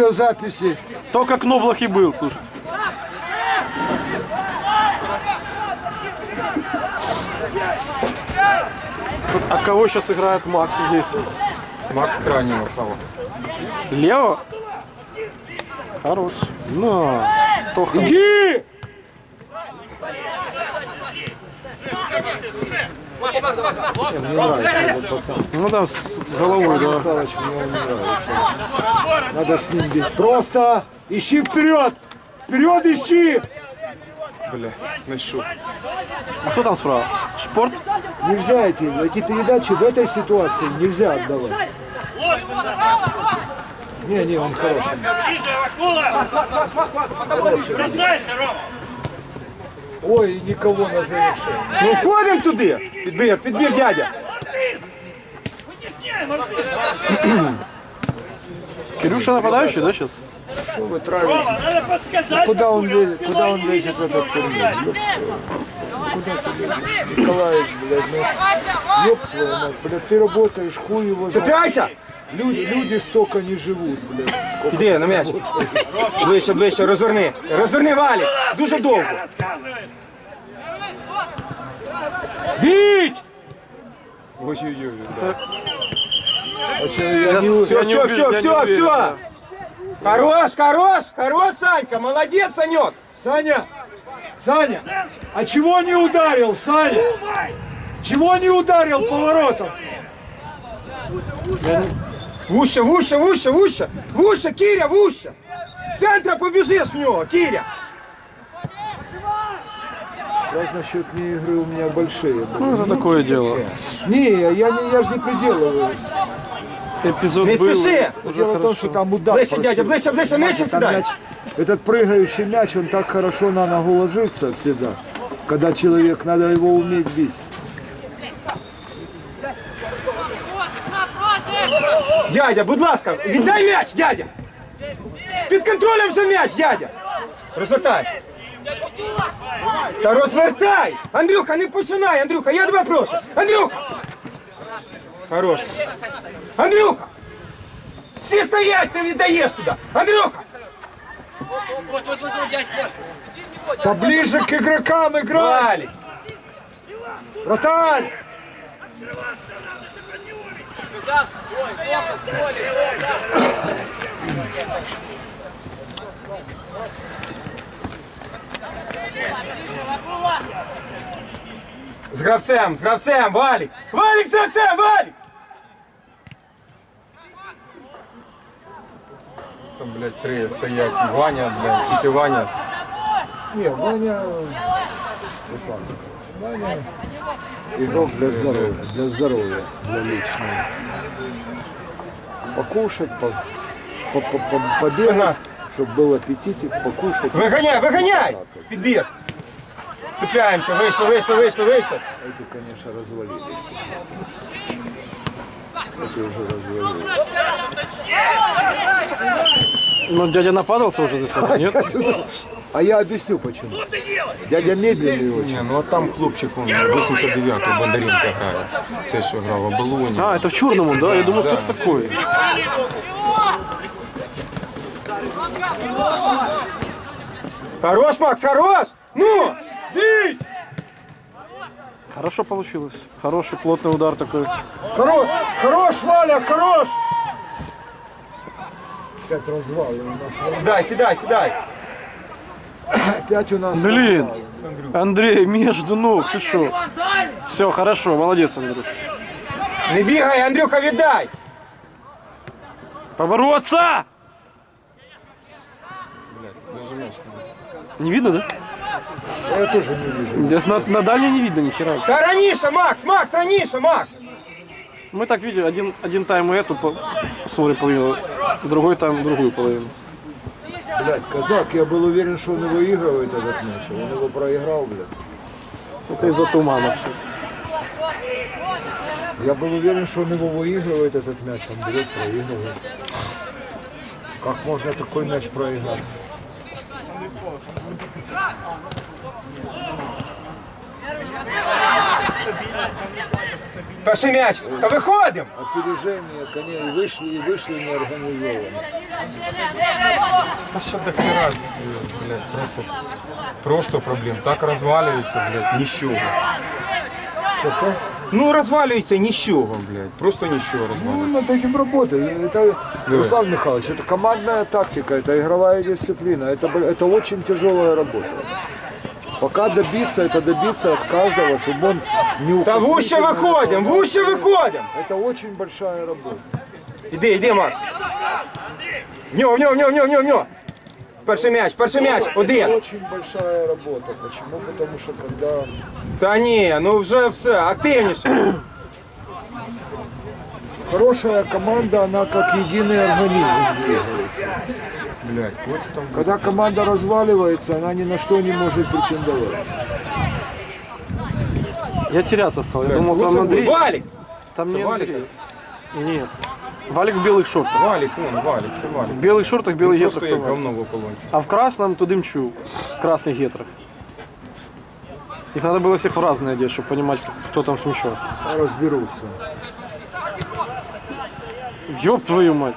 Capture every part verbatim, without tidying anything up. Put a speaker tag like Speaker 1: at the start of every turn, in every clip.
Speaker 1: видеозаписи.
Speaker 2: Только Кноблах и был, слушай. А кого сейчас играет Макс здесь?
Speaker 3: Макс крайнего стало.
Speaker 2: Лево? Хорош. Ну, Тоха.
Speaker 1: Иди!
Speaker 3: Мне нравится этот пацан.
Speaker 2: Ну да, с, с головой, да.
Speaker 3: Михалыч мне он не нравится.
Speaker 1: Надо с ним бить. Просто ищи вперед! Вперед ищи!
Speaker 3: Бля, нашел.
Speaker 2: А кто там справа? Шпорт?
Speaker 1: Нельзя эти, эти передачи в этой ситуации нельзя отдавать. Не, не, он хороший.
Speaker 4: Бросайся, Рома!
Speaker 1: Ой, никого на завершение.
Speaker 3: Ну входимо туди! Підбір, підбір, дядя!
Speaker 2: Кирюша нападающий, да, сейчас?
Speaker 1: Что вы травите?
Speaker 4: Рома, надо подсказать!
Speaker 1: Куда он лезет, куда он лезет в этот турнир? Ёб твою. Куда ты лезешь? Николаевич, блядь, ну, ёб твою мать, блядь, ты работаешь, хуй его знает.
Speaker 3: Цепляйся!
Speaker 1: Люди, люди столько не живут, блядь. Сколько
Speaker 3: Іди на м'яч. Ближче, ближче, розверни. Розверни, Валік. Дуже довго.
Speaker 1: бить!
Speaker 3: Ой-ой-ой.
Speaker 1: А что, я не...
Speaker 3: Все,
Speaker 2: Я не
Speaker 3: все,
Speaker 2: уверен,
Speaker 3: все,
Speaker 2: я не
Speaker 3: все,
Speaker 2: уверен,
Speaker 3: все.
Speaker 2: да.
Speaker 3: Хорош, хорош, хорош, Санька, молодец, Санек.
Speaker 1: Саня! Саня! А чего не ударил, Саня? Чего не ударил поворотом?
Speaker 3: Вуща, вуща, вуща, вуща. Вуща, Киря, вуща. З центра побіжиш в нього, Киря.
Speaker 1: Раз насчет не игры у меня большие. блядь.
Speaker 2: Ну, это такое дело.
Speaker 1: Не, я, не, я же не приделиваюсь.
Speaker 2: Эпизод
Speaker 3: Не
Speaker 2: был.
Speaker 3: спеши.
Speaker 2: Уже
Speaker 1: Дело в том,
Speaker 2: хорошо.
Speaker 1: что там удар
Speaker 3: Ближче,
Speaker 1: просил.
Speaker 3: дядя, ближче, ближче, нижче
Speaker 1: Там
Speaker 3: сюда.
Speaker 1: мяч, этот прыгающий мяч, он так хорошо на ногу ложится всегда. Когда человек, надо его уметь бить.
Speaker 3: Дядя, будь ласка, віддай м'яч, дядя. Під контролем вже м'яч, дядя. Розвертай. Та розвертай. Андрюха, не починай, Андрюха, я тебе прошу. Андрюха. Хорош. Андрюха. Всі стоять, ти віддаєш туди. Андрюха.
Speaker 4: Вот, вот, вот, вот, дядь, вот.
Speaker 1: Да ближе к игрокам играй!
Speaker 3: Валік.
Speaker 1: Вратарь!
Speaker 3: З гравцем, з гравцем, Валік. Валік з гравцем, Валік. Там, блядь, три стоять. Ваня, блядь, і ти Ваня.
Speaker 1: Не, Ваня... Руслан, Ваня игрок для здоровья, для здоровья, для личного. Покушать, по, по, по, по, побегать, чтобы был аппетитик, покушать.
Speaker 3: Виганяй, виганяй! Підбір. Цепляємося, вийшли, вийшли, вийшли, вийшли.
Speaker 1: Эти, конечно, развалились. Эти уже развалились.
Speaker 2: Ну, дядя нападался уже за себя, нет?
Speaker 1: А я объясню почему. Дядя медленный очень.
Speaker 3: Ні, ну а там хлопчик, он вісімдесят дев'ятого Бондаренко грає. Це що грав в Оболоні.
Speaker 2: А, это в черному, да? Я думал, кто такой.
Speaker 3: Хорош, Макс, хорош! Ну!
Speaker 2: Хорошо получилось. Хороший плотный удар такой.
Speaker 1: Хорош, хорош, Валя, хорош! Опять развал у нас.
Speaker 3: Сідай, сідай, сідай.
Speaker 1: Опять у нас.
Speaker 2: Блин, Андрей, между ног, ты шо? Все, хорошо, молодец, Андрюш.
Speaker 3: Не бігай, Андрюха, віддай!
Speaker 2: Побороться! Не видно, да?
Speaker 1: Я тоже не вижу.
Speaker 2: Здесь на, на дальней не видно ни хера.
Speaker 3: Та раніше, Макс, Макс, раніше, Макс!
Speaker 2: Мы так видели, один, один тайм эту по- смотрим половину, другой тайм другую половину.
Speaker 1: Блядь, казак, я был уверен, что он выигрывает этот мяч, а он его проиграл, блядь.
Speaker 2: Это из-за тумана.
Speaker 1: Я был уверен, что он его выигрывает этот мяч, он берет, проигрывает. Как можно такой мяч проиграть?
Speaker 3: Перший м'яч. Та виходимо!
Speaker 1: Опережение коней вышли и вышли неорганизованно.
Speaker 3: Та ще до хера, блядь, просто, просто проблем. Так розвалюється, блядь, нічого.
Speaker 1: Что, что?
Speaker 3: Ну, розвалюється нічого, блядь, просто нічого
Speaker 1: Ну,
Speaker 3: розвалюється.
Speaker 1: над этим работать. Это, Руслан Михайлович, это командная тактика, это игровая дисциплина. Это, б- это очень тяжелая работа. Пока добиться, это добиться от каждого, чтобы он не
Speaker 3: Та в
Speaker 1: укусил.
Speaker 3: уща виходимо, в уща виходимо!
Speaker 1: Это очень большая работа.
Speaker 3: Іди, іди, Макс. В нього, в нього, в нього, в нього, в нього, в нього. Перший м'яч, перший м'яч,
Speaker 1: Это
Speaker 3: один.
Speaker 1: очень большая работа. Почему? Потому что когда
Speaker 3: Та ні, ну вже все, активніше.
Speaker 1: хорошая команда, она как единый организм двигается.
Speaker 3: Блядь, ось там.
Speaker 1: Когда команда разваливается, она ни на что не может претендовать.
Speaker 2: Я теряться стал. Я думал, там Андрей.
Speaker 3: Валік!
Speaker 2: Там
Speaker 3: Це
Speaker 2: не
Speaker 3: Валик?
Speaker 2: Андрей. Нет. Валик в белых шортах.
Speaker 3: Валік, вон, Валік, це Валік.
Speaker 2: В белых шортах, белых
Speaker 3: Просто
Speaker 2: гетрах.
Speaker 3: як
Speaker 2: то Валик.
Speaker 3: говно в ополонці.
Speaker 2: А в красном то Дымчук. В красных гетрах. Их надо было всех в разные одеть, чтобы понимать, кто там с мячом.
Speaker 1: Разберутся.
Speaker 2: Ёб твою мать.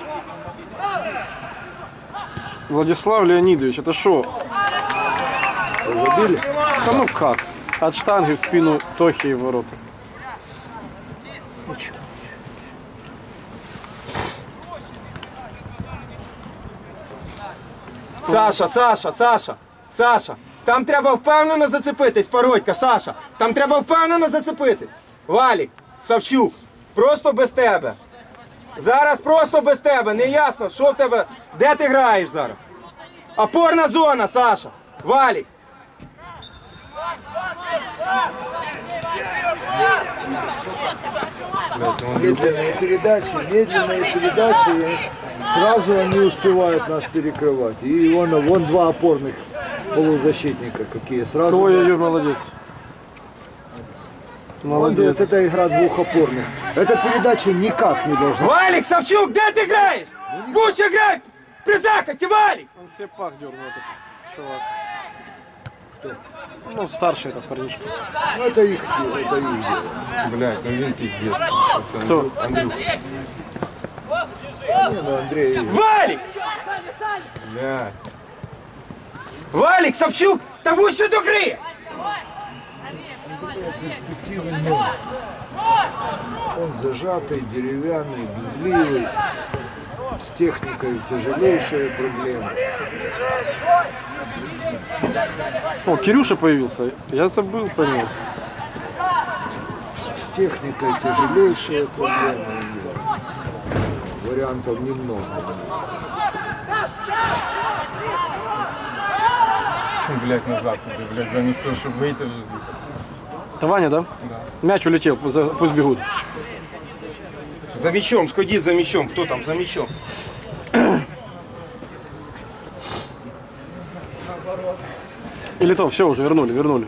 Speaker 2: Владислав Леонидович, это шо?
Speaker 1: Забили?
Speaker 2: Да ну как? От штанги в спину Тохи и в ворота.
Speaker 3: Саша, Саша, Саша, Саша. Там треба впевнено зацепитись, Пародька, Саша. Там треба впевнено зацепитись. Валік, Савчук, просто без тебе. Зараз просто без тебе. Не ясно, що в тебе, де ти граєш зараз. Опорна зона, Саша. Валік.
Speaker 1: Медленные передачи, медленные передачи. и Сразу они успевают нас перекрывать. И вон, вон два опорных полузащитника какие. Сразу.
Speaker 2: Ой-ой-ой, молодец.
Speaker 1: Вот
Speaker 2: Молодец.
Speaker 1: это игра двух опорных. Эта передача никак не должна.
Speaker 3: Валік, Савчук, де ти граєш? Гуча грай! При захисті, Валік!
Speaker 2: Он себе пах дернул этот чувак. Кто? Ну, старший этот парнишка.
Speaker 1: Ну, это их, это их дело.
Speaker 3: Блядь, ну він пиздец.
Speaker 2: Кто?
Speaker 3: Андрюх.
Speaker 1: Не, ну, Андрей.
Speaker 3: Валік! Блядь. Валік, Савчук, та вище до гри!
Speaker 1: перспективный номер. Он зажатый, деревянный, бездливый, с техникой тяжелейшие проблемы.
Speaker 2: О, Кирюша появился. Я забыл про него.
Speaker 1: С техникой тяжелейшие проблемы. Вариантов немного.
Speaker 3: Блядь, назад туди, блядь, замість того, щоб вийти вже звідти.
Speaker 2: Это Ваня, да?
Speaker 3: Да.
Speaker 2: Мяч улетел, за- пусть бегут.
Speaker 3: За мячом, сходіть за мячом. Хто там за мячом?
Speaker 2: Или то, все уже, вернули, вернули.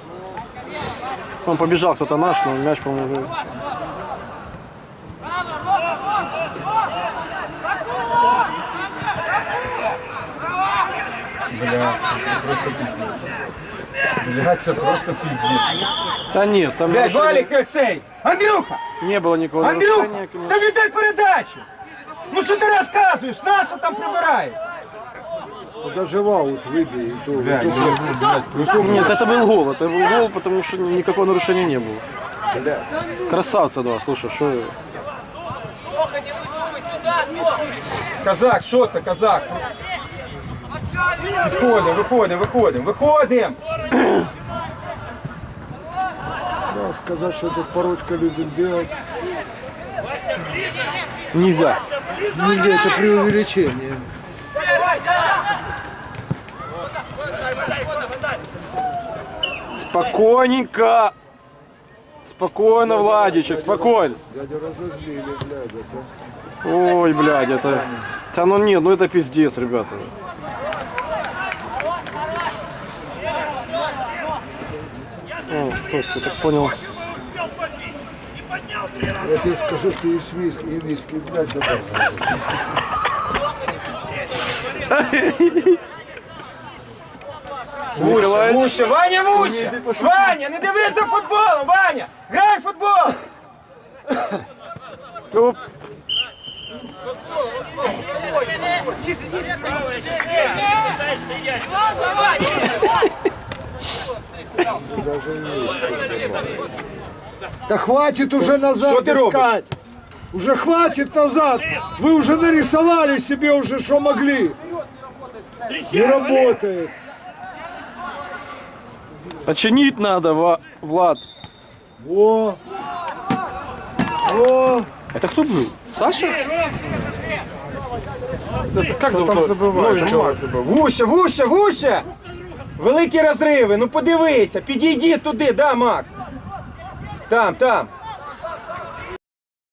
Speaker 2: Он побежал, кто-то наш, но мяч, по-моему, уже...
Speaker 3: Блядь, це просто пиздец. Блядь, це просто пиздец.
Speaker 2: Да нет, там
Speaker 3: Блядь,
Speaker 2: нарушения
Speaker 3: Валік, цей! Андрюха!
Speaker 2: не было никакого
Speaker 3: Андрюха!
Speaker 2: нарушения, конечно.
Speaker 3: Та віддай передачу! Ну що ти розказуєш? Нащо там прибираєш?
Speaker 1: Ну, даже в аут выбей. И то, и то,
Speaker 3: блядь, просто...
Speaker 2: Нет, это был гол, это был гол, потому что никакого нарушения не было.
Speaker 1: блядь.
Speaker 2: Красавца два, слушай, что...
Speaker 3: Казак, що це, казак? Виходимо, виходимо, виходимо, виходимо!
Speaker 1: Да, сказать, что этот Пародька любит делать,
Speaker 2: Нельзя.
Speaker 1: нельзя, это преувеличение.
Speaker 2: Спокойненько. Спокойно, Владичек, спокойно.
Speaker 1: Дядя разозлили, блядь, это.
Speaker 2: Ой, блядь, это... Да ну нет, ну это пиздец, ребята. О, стоп, я так понял.
Speaker 1: Я тебе скажу, что и свиски, и виски, блядь, добавил.
Speaker 3: Вуще,
Speaker 2: Николаевич.
Speaker 3: вуще, Ваня, вуще! Ваня, не дивись за футболом, Ваня! Грай в футбол!
Speaker 2: Оп.
Speaker 1: Да хватит уже назад
Speaker 3: Что ты робишь?
Speaker 1: искать. Уже хватит назад. Вы уже нарисовали себе уже, что могли. Не работает.
Speaker 2: Починить надо, Ва- Влад.
Speaker 1: Во. Во.
Speaker 2: Это кто был? Саша? Это как
Speaker 3: Хто
Speaker 2: зовут?
Speaker 3: там забиває? Там
Speaker 2: Новенького?
Speaker 3: Макс забив. Вуще, вуще, вуще! Великі розриви, ну подивися, підійди туди, да, Макс? Там, там.